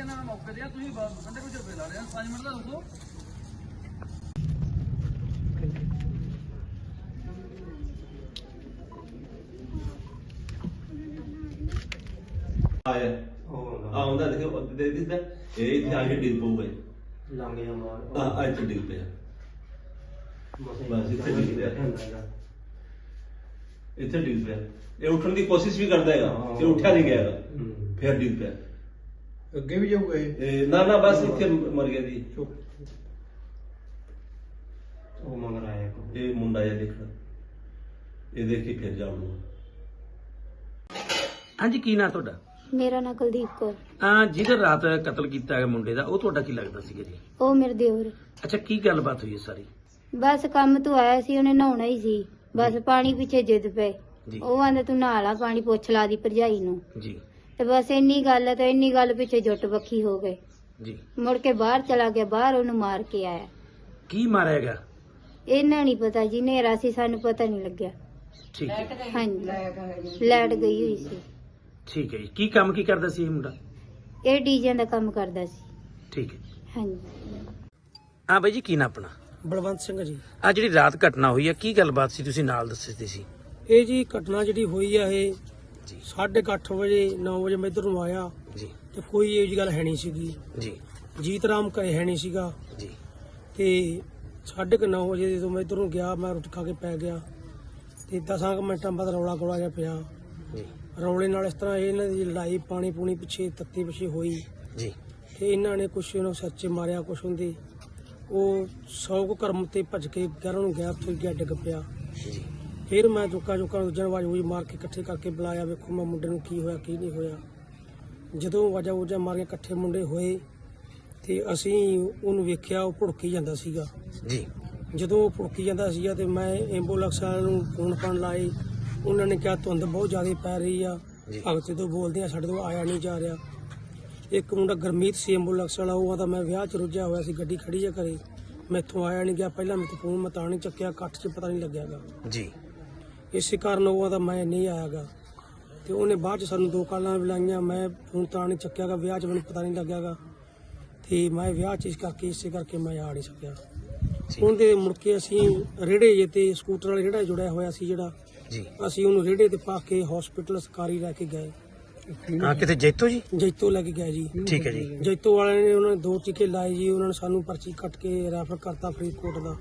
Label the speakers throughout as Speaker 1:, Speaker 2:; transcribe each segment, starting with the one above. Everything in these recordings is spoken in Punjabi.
Speaker 1: ना मौके दिया तुम बंदे कुछ ला रहे हैं 5 मिनट का रुको
Speaker 2: ਆਇਆ ਆਉਂਦਾ ਦੇਖੋ ਦੇ ਦਿੱਤਾ ਇਹ ਇੱਥੇ ਆ ਕੇ ਡਿੱਗ ਪਊਗਾ
Speaker 3: ਲੰਘ ਜਾ ਮਾਰ
Speaker 2: ਆ ਇੱਥੇ ਡਿੱਗ ਪਿਆ ਬਸ ਇੱਥੇ ਡਿੱਗ ਪਿਆ ਇੱਥੇ ਡਿੱਗ ਪਿਆ ਇਹ ਉੱਠਣ ਦੀ ਕੋਸ਼ਿਸ਼ ਵੀ ਕਰਦਾ ਹੈਗਾ ਤੇ ਉੱਠਿਆ ਨਹੀਂ ਗਿਆ ਹੈਗਾ ਫਿਰ ਡਿੱਗ ਪਿਆ
Speaker 4: ਅੱਗੇ ਵੀ ਜਾਊਗਾ
Speaker 2: ਇਹ ਨਾ ਨਾ ਬਸ ਇੱਥੇ ਮਰ ਗਿਆ ਜੀ
Speaker 3: ਉਹ ਮੰਗ ਰਿਹਾ ਹੈ
Speaker 2: ਇਹ ਮੁੰਡਾ ਜਿਹਾ ਦੇਖਣਾ ਇਹ ਦੇਖ ਕੇ ਫਿਰ ਜਾਊਗਾ
Speaker 5: ਹਾਂਜੀ ਕੀ ਨਾਂ ਤੁਹਾਡਾ?
Speaker 6: ਮੇਰਾ ਨਾਂ ਕੁਲਦੀਪ ਕੌਰ।
Speaker 5: ਜਿਹਦੇ ਰਾਤ ਕਤਲ ਕੀਤਾ ਹੈ ਮੁੰਡੇ ਦਾ, ਉਹ ਤੁਹਾਡਾ ਕੀ ਲੱਗਦਾ ਸੀਗਾ ਜੀ?
Speaker 6: ਉਹ ਮੇਰੇ ਦਿਓਰ।
Speaker 5: ਅੱਛਾ, ਕੀ ਗੱਲਬਾਤ ਹੋਈ ਹੈ ਸਾਰੀ?
Speaker 6: ਬਸ ਕੰਮ ਤੋਂ ਆਇਆ ਸੀ, ਉਹਨੇ ਨਹਾਉਣਾ ਹੀ ਸੀ, ਬਸ ਪਾਣੀ ਪਿੱਛੇ ਜਿੱਦ ਪਏ।
Speaker 5: ਜੀ
Speaker 6: ਉਹ ਆਂਦਾ ਤੂੰ ਨਹਾ ਲਾ, ਪਾਣੀ ਪੁੱਛ ਲਾ ਦੀ ਭਰਜਾਈ ਨੂੰ।
Speaker 5: ਜੀ
Speaker 6: ਤੇ ਬਸ ਇੰਨੀ ਗੱਲ ਹੈ, ਤੇ ਇੰਨੀ ਗੱਲ ਪਿੱਛੇ ਜੁੱਟ ਬੱਖੀ ਹੋ ਗਏ।
Speaker 5: ਜੀ
Speaker 6: ਮੁੜ ਕੇ ਬਾਹਰ ਚਲਾ ਗਿਆ, ਬਾਹਰ ਉਹਨੂੰ ਮਾਰ ਕੇ ਆਇਆ।
Speaker 5: ਕੀ ਮਾਰਿਆਗਾ?
Speaker 6: ਇਹਨਾਂ ਨਹੀਂ ਪਤਾ ਜੀ, ਹਨੇਰਾ ਸੀ, ਸਾਨੂੰ ਪਤਾ ਨਹੀਂ ਲੱਗਿਆ।
Speaker 5: ਠੀਕ ਹੈ,
Speaker 6: ਹਾਂਜੀ, ਲਾਈਟ ਗਈ ਹੋਈ ਸੀ।
Speaker 5: ਠੀਕ ਹੈ ਜੀ। ਕੀ ਕੰਮ ਕੀ ਕਰਦਾ ਸੀ ਇਹ ਮੁੰਡਾ?
Speaker 6: ਇਹ ਡੀਜਿਆਂ ਦਾ ਕੰਮ ਕਰਦਾ ਸੀ।
Speaker 5: ਠੀਕ ਹੈ।
Speaker 6: ਹਾਂਜੀ।
Speaker 5: ਹਾਂ ਬਾਈ ਜੀ, ਕੀ ਨਾਂ ਆਪਣਾ?
Speaker 7: ਬਲਵੰਤ ਸਿੰਘ ਜੀ।
Speaker 5: ਆ ਜਿਹੜੀ ਰਾਤ ਘਟਨਾ ਹੋਈ ਹੈ, ਕੀ ਗੱਲਬਾਤ ਸੀ? ਤੁਸੀਂ ਨਾਲ ਦੱਸਦੇ ਸੀ।
Speaker 7: ਇਹ ਜੀ ਘਟਨਾ ਜਿਹੜੀ ਹੋਈ ਆ ਇਹ
Speaker 5: ਜੀ
Speaker 7: 8:30 ਵਜੇ 9 ਵਜੇ ਮੈਂ ਇੱਧਰ ਨੂੰ ਆਇਆ
Speaker 5: ਜੀ
Speaker 7: ਤੇ ਕੋਈ ਇਹ ਜਿਹੀ ਗੱਲ ਹੈ ਨਹੀਂ ਸੀਗੀ।
Speaker 5: ਜੀ
Speaker 7: ਜੀਤ ਰਾਮ ਘਰੇ ਹੈ ਨਹੀਂ ਸੀਗਾ
Speaker 5: ਜੀ
Speaker 7: ਤੇ 9:30 ਵਜੇ ਜਦੋਂ ਮੈਂ ਇੱਧਰ ਨੂੰ ਗਿਆ, ਮੈਂ ਰੋਟੀ ਖਾ ਕੇ ਪੈ ਗਿਆ ਤੇ 10 ਮਿੰਟਾਂ ਬਾਅਦ ਰੌਲਾ ਗੋਲਾ ਜਿਹਾ ਪਿਆ।
Speaker 5: ਜੀ
Speaker 7: ਰੌਲੇ ਨਾਲ ਇਸ ਤਰ੍ਹਾਂ ਇਹਨਾਂ ਦੀ ਲੜਾਈ ਪਾਣੀ ਪੂਣੀ ਪਿੱਛੇ ਤੱਤੀ ਪਿੱਛੇ ਹੋਈ
Speaker 5: ਜੀ
Speaker 7: ਤੇ ਇਹਨਾਂ ਨੇ ਕੁਛ ਇਹਨੂੰ ਸੱਚੇ ਮਾਰਿਆ, ਕੁਛ ਹੁੰਦੇ ਉਹ 100 ਕੁ ਕਰਮ ਤੇ ਭੱਜ ਕੇ ਘਰਾਂ ਨੂੰ ਗਿਆ, ਫਿਰ ਗਿਆ ਡਿੱਗ ਪਿਆ।
Speaker 5: ਜੀ
Speaker 7: ਫਿਰ ਮੈਂ ਚੁੱਕਾ ਦੂਜਿਆਂ ਆਵਾਜ਼ ਹੋਈ ਮਾਰ ਕੇ ਇਕੱਠੇ ਕਰਕੇ ਬੁਲਾਇਆ, ਵੇਖੋ ਮੈਂ ਮੁੰਡੇ ਨੂੰ ਕੀ ਹੋਇਆ ਕੀ ਨਹੀਂ ਹੋਇਆ। ਜਦੋਂ ਆਵਾਜ਼ਾਂ ਮਾਰੀਆਂ, ਇਕੱਠੇ ਮੁੰਡੇ ਹੋਏ ਤੇ ਅਸੀਂ ਉਹਨੂੰ ਵੇਖਿਆ, ਉਹ ਭੁੜਕੀ ਜਾਂਦਾ ਸੀਗਾ।
Speaker 5: ਜੀ
Speaker 7: ਜਦੋਂ ਉਹ ਭੁੜਕੀ ਜਾਂਦਾ ਸੀਗਾ ਤੇ ਮੈਂ ਐਂਬੂਲੈਂਸ ਵਾਲਿਆਂ ਨੂੰ ਫੋਨ ਕਰਨ ਲਾਏ। ਉਹਨਾਂ ਨੇ ਕਿਹਾ ਧੁੰਦ ਬਹੁਤ ਜ਼ਿਆਦਾ ਪੈ ਰਹੀ ਆ, ਭਗਤ ਤੋਂ ਬੋਲਦੇ ਆ, ਸਾਡੇ ਤੋਂ ਆਇਆ ਨਹੀਂ ਜਾ ਰਿਹਾ। ਇੱਕ ਮੁੰਡਾ ਗੁਰਮੀਤ ਸੀ ਐਂਬੂਲੈਂਸ ਵਾਲਾ, ਉਹ ਆਦਾ ਮੈਂ ਵਿਆਹ 'ਚ ਰੁੱਝਿਆ ਹੋਇਆ ਸੀ, ਗੱਡੀ ਖੜੀ ਆ ਘਰੇ, ਮੈਥੋਂ ਆਇਆ ਨਹੀਂ ਗਿਆ। ਪਹਿਲਾਂ ਮੇਰੇ ਤੋਂ ਫੋਨ ਮੈਂ ਤਾਂ ਨਹੀਂ ਚੱਕਿਆ, ਕੱਟ 'ਚ ਪਤਾ ਨਹੀਂ ਲੱਗਿਆਗਾ।
Speaker 5: ਜੀ
Speaker 7: ਇਸੇ ਕਾਰਨ ਉਹ ਆਦਾ ਮੈਂ ਨਹੀਂ ਆਇਆਗਾ ਤੇ ਉਹਨੇ ਬਾਅਦ 'ਚ ਸਾਨੂੰ 2 ਕਾਲਾਂ ਬੁਲਾਈਆਂ, ਮੈਂ ਫੋਨ ਤਾਂ ਨਹੀਂ ਚੱਕਿਆਗਾ, ਵਿਆਹ 'ਚ ਮੈਨੂੰ ਪਤਾ ਨਹੀਂ ਲੱਗਿਆਗਾ ਤੇ ਮੈਂ ਵਿਆਹ 'ਚ ਇਸੇ ਕਰਕੇ ਮੈਂ ਆ ਨਹੀਂ ਸਕਿਆ। ਉਹਦੇ ਮੁੜ ਕੇ ਅਸੀਂ ਰੇੜੇ ਜੇ ਤੇ ਸਕੂਟਰ ਵਾਲੇ ਰੇੜਾ ਜੁੜਿਆ ਹੋਇਆ ਸੀ ਜਿਹੜਾ,
Speaker 5: ਜੀ
Speaker 7: ਅਸੀਂ ਉਹਨੂੰ ਰੇੜੇ ਤੇ ਪਾ ਕੇ ਹਸਪੀਟਲ ਸਰਕਾਰੀ ਲੈ ਕੇ ਗਏ।
Speaker 5: ਕਿਤੇ ਜੈਤੋ ਜੀ?
Speaker 7: ਜੈਤੋ ਲੈ ਕੇ ਗਏ ਜੀ।
Speaker 5: ਠੀਕ ਹੈ ਜੀ।
Speaker 7: ਜੈਤੋ ਵਾਲਿਆਂ ਨੇ ਉਹਨਾਂ ਨੇ 2 ਟੀਕੇ ਲਾਏ ਜੀ, ਉਹਨਾਂ ਨੇ ਸਾਨੂੰ ਪਰਚੀ ਕੱਟ ਕੇ ਰੈਫਰ ਕਰਤਾ ਫਰੀਦਕੋਟ ਦਾ।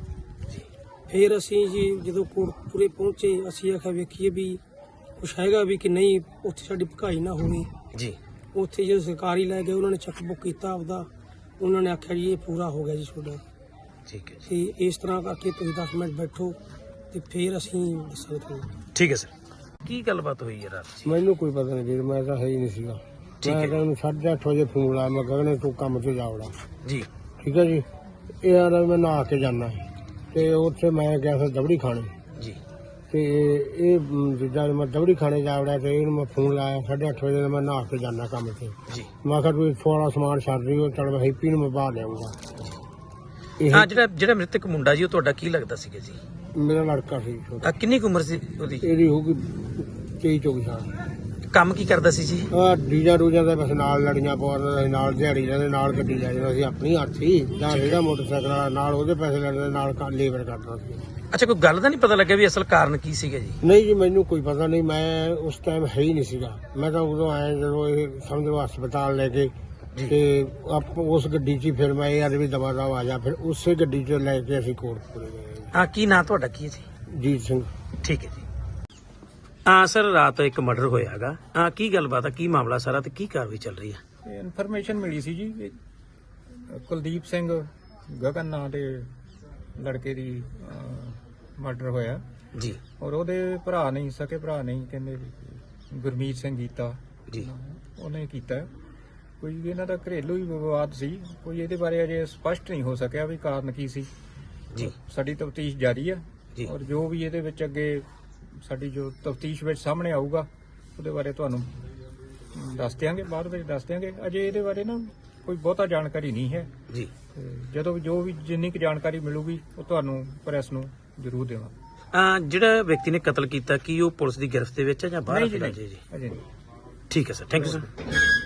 Speaker 7: ਫਿਰ ਅਸੀਂ ਜੀ ਜਦੋਂ ਕੋਟਪੁਰੇ ਪਹੁੰਚੇ, ਅਸੀਂ ਆਖਿਆ ਵੇਖੀਏ ਵੀ ਕੁਛ ਹੈਗਾ ਵੀ ਕਿ ਨਹੀਂ, ਉੱਥੇ ਸਾਡੀ ਭਕਾਈ ਨਾ ਹੋਵੇ।
Speaker 5: ਜੀ
Speaker 7: ਉੱਥੇ ਜਦੋਂ ਸਰਕਾਰੀ ਲੈ ਗਏ, ਉਹਨਾਂ ਨੇ ਚੈੱਕ ਬੁੱਕ ਕੀਤਾ ਆਪਦਾ, ਉਹਨਾਂ ਨੇ ਆਖਿਆ ਜੀ ਇਹ ਪੂਰਾ ਹੋ ਗਿਆ ਜੀ ਤੁਹਾਡਾ।
Speaker 5: ਠੀਕ ਹੈ ਜੀ।
Speaker 7: ਤੇ ਇਸ ਤਰ੍ਹਾਂ ਕਰਕੇ ਤੁਸੀਂ 10 ਮਿੰਟ ਬੈਠੋ ਤੇ ਫਿਰ ਅਸੀਂ ਦੱਸਾਂਗੇ ਤੁਹਾਨੂੰ।
Speaker 5: ਠੀਕ ਹੈ ਸਰ। ਕੀ ਗੱਲਬਾਤ ਹੋਈ ਹੈ ਰਾਤ?
Speaker 4: ਮੈਨੂੰ ਕੋਈ ਪਤਾ ਨਹੀਂ ਵੀਰ, ਮੈਂ ਤਾਂ ਹੈ ਹੀ ਨਹੀਂ ਸੀਗਾ।
Speaker 5: ਠੀਕ ਹੈ।
Speaker 4: ਮੈਂ ਤਾਂ ਉਹਨੂੰ 8:30 ਵਜੇ ਫੋਨ ਲਾਇਆ, ਮੈਂ ਕਹਿੰਦਾ ਤੂੰ ਕੰਮ ਤੇ ਜਾਵੜਾ।
Speaker 5: ਜੀ
Speaker 4: ਠੀਕ ਹੈ ਜੀ। ਇਹ ਆਲਾ ਮੈਂ ਨਹਾ ਕੇ ਜਾਣਾ ਤੇ ਉੱਥੇ ਮੈਂ ਗਿਆ ਸੀ ਦਬੜੀ ਖਾਣੇ
Speaker 5: ਜੀ
Speaker 4: ਤੇ ਇਹ ਜਿੱਦਾਂ ਮੈਂ ਦਬੜੀ ਖਾਣੇ ਜਾਵੜਾ ਤੇ ਇਹਨੂੰ ਮੈਂ ਫੋਨ ਲਾਇਆ 8:30 ਵਜੇ ਦਾ, ਮੈਂ ਨਹਾ ਕੇ ਜਾਣਾ ਕੰਮ ਤੇ।
Speaker 5: ਜੀ
Speaker 4: ਮੈਂ ਕਿਹਾ ਤੂੰ ਥੋੜਾ ਸਮਾਨ ਛੱਡ ਰਹੀ ਹੋ, ਚਲ ਮੈਂ ਹੈਪੀ ਨੂੰ ਮੈਂ ਬਾਹਰ ਲਿਆਉਂਗਾ।
Speaker 5: ਹਾਂ, ਜਿਹੜਾ ਮ੍ਰਿਤਕ ਮੁੰਡਾ ਜੀ, ਉਹ ਤੁਹਾਡਾ ਕੀ ਲੱਗਦਾ ਸੀਗਾ ਜੀ?
Speaker 4: ਮੇਰਾ ਲੜਕਾ ਸੀ ਛੋਟਾ,
Speaker 5: ਕਿੰਨੀ ਕੁ ਉਮਰ ਸੀ ਉਹਦੀ?
Speaker 4: ਇਹਦੀ ਹੋਊਗੀ 23-24 ਸਾਲ।
Speaker 5: ਕੰਮ ਕੀ ਕਰਦਾ ਸੀ ਜੀ?
Speaker 4: ਡੀਜਾ ਰੂਜਾਂ ਦੇ ਬਸ ਨਾਲ ਲੜੀਆਂ ਪਾਉਂਦਾ ਸੀ, ਨਾਲ ਦਿਹਾੜੀ ਜਾਂਦੇ, ਨਾਲ ਗੱਡੀ ਲੈ ਜਾਂਦਾ ਸੀ ਆਪਣੀ ਹੱਥੀ, ਜਾਂ ਜਿਹੜਾ ਮੋਟਰਸਾਈਕਲ ਵਾਲਾ ਨਾਲ ਉਹਦੇ ਪੈਸੇ ਲੈਂਦੇ, ਨਾਲ ਲੇਬਰ ਕਰਦਾ ਸੀ।
Speaker 5: ਅੱਛਾ, ਕੋਈ ਗੱਲ ਦਾ ਨਹੀਂ ਪਤਾ ਲੱਗਿਆ ਵੀ ਅਸਲ ਕਾਰਨ ਕੀ ਸੀਗਾ ਜੀ?
Speaker 4: ਨਹੀਂ ਜੀ, ਮੈਨੂੰ ਕੋਈ ਪਤਾ ਨਹੀਂ, ਮੈਂ ਉਸ ਟਾਈਮ ਹੈ ਹੀ ਨਹੀਂ ਸੀਗਾ। ਮੈਂ ਤਾਂ ਉਦੋਂ ਆਇਆ ਜਦੋਂ ਇਹ ਸਮਝੋ ਹਸਪਤਾਲ ਲੈ ਕੇ ਤੇ ਉਸ ਗੱਡੀ 'ਚ ਫਿਰ ਮੈਂ ਇਹ ਵੀ ਦਵਾ ਆ ਜਾ, ਫਿਰ ਉਸੇ ਗੱਡੀ 'ਚ ਲੈ ਕੇ ਅਸੀਂ ਕੋਟਪੁਰੇ ਗਏ।
Speaker 5: ਹਾਂ, ਕੀ ਨਾਂ ਤੁਹਾਡਾ ਕੀ ਹੈ ਜੀ?
Speaker 4: ਜੀਤ ਸਿੰਘ।
Speaker 5: ਠੀਕ ਹੈ ਜੀ। ਹਾਂ ਸਰ, ਰਾਤ ਇੱਕ ਮਰਡਰ ਹੋਇਆ ਹੈਗਾ। ਹਾਂ, ਕੀ ਗੱਲਬਾਤ ਹੈ, ਕੀ ਮਾਮਲਾ ਸਾਰਾ ਤੇ ਕੀ ਕਾਰਵਾਈ ਚੱਲ ਰਹੀ ਹੈ?
Speaker 8: ਇਨਫੋਰਮੇਸ਼ਨ ਮਿਲੀ ਸੀ ਜੀ, ਕੁਲਦੀਪ ਸਿੰਘ ਗਗਨ ਨਾਂ ਦੇ ਲੜਕੇ ਦੀ ਮਰਡਰ ਹੋਇਆ
Speaker 5: ਜੀ।
Speaker 8: ਔਰ ਉਹਦੇ ਭਰਾ ਨਹੀਂ, ਸਕੇ ਭਰਾ ਨਹੀਂ, ਕਹਿੰਦੇ ਵੀ ਗੁਰਮੀਤ ਸਿੰਘ ਕੀਤਾ
Speaker 5: ਜੀ,
Speaker 8: ਉਹਨੇ ਕੀਤਾ। ਕੋਈ ਇਹਨਾਂ ਦਾ ਘਰੇਲੂ ਹੀ ਵਿਵਾਦ ਸੀ, ਕੋਈ ਇਹਦੇ ਬਾਰੇ ਅਜੇ ਸਪਸ਼ਟ ਨਹੀਂ ਹੋ ਸਕਿਆ ਵੀ ਕਾਰਨ ਕੀ ਸੀ
Speaker 5: ਜੀ।
Speaker 8: ਸਾਡੀ ਤਫਤੀਸ਼ ਜਾਰੀ ਹੈ
Speaker 5: ਜੀ।
Speaker 8: ਔਰ ਜੋ ਵੀ ਇਹਦੇ ਵਿੱਚ ਅੱਗੇ ਸਾਡੀ ਜੋ ਤਫਤੀਸ਼ ਵਿੱਚ ਸਾਹਮਣੇ ਆਊਗਾ ਉਹਦੇ ਬਾਰੇ ਤੁਹਾਨੂੰ ਦੱਸ ਦਿਆਂਗੇ, ਬਾਅਦ ਵਿੱਚ ਦੱਸ ਦਿਆਂਗੇ। ਅਜੇ ਇਹਦੇ ਬਾਰੇ ਨਾ ਕੋਈ ਬਹੁਤਾ ਜਾਣਕਾਰੀ ਨਹੀਂ ਹੈ
Speaker 5: ਜੀ।
Speaker 8: ਜਦੋਂ ਜੋ ਵੀ ਜਿੰਨੀ ਕੁ ਜਾਣਕਾਰੀ ਮਿਲੂਗੀ ਉਹ ਤੁਹਾਨੂੰ ਪ੍ਰੈਸ ਨੂੰ ਜ਼ਰੂਰ ਦੇਵਾਂਗੇ।
Speaker 5: ਜਿਹੜਾ ਵਿਅਕਤੀ ਨੇ ਕਤਲ ਕੀਤਾ, ਕੀ ਉਹ ਪੁਲਿਸ ਦੀ ਗ੍ਰਿਫਤ ਦੇ ਵਿੱਚ ਹੈ ਜਾਂ ਬਾਹਰ?
Speaker 8: ਨਹੀਂ ਜੀ,
Speaker 5: ਜੀ
Speaker 8: ਅਜੇ ਨਹੀਂ।
Speaker 5: ਠੀਕ ਹੈ ਸਰ, ਥੈਂਕ ਯੂ ਸਰ।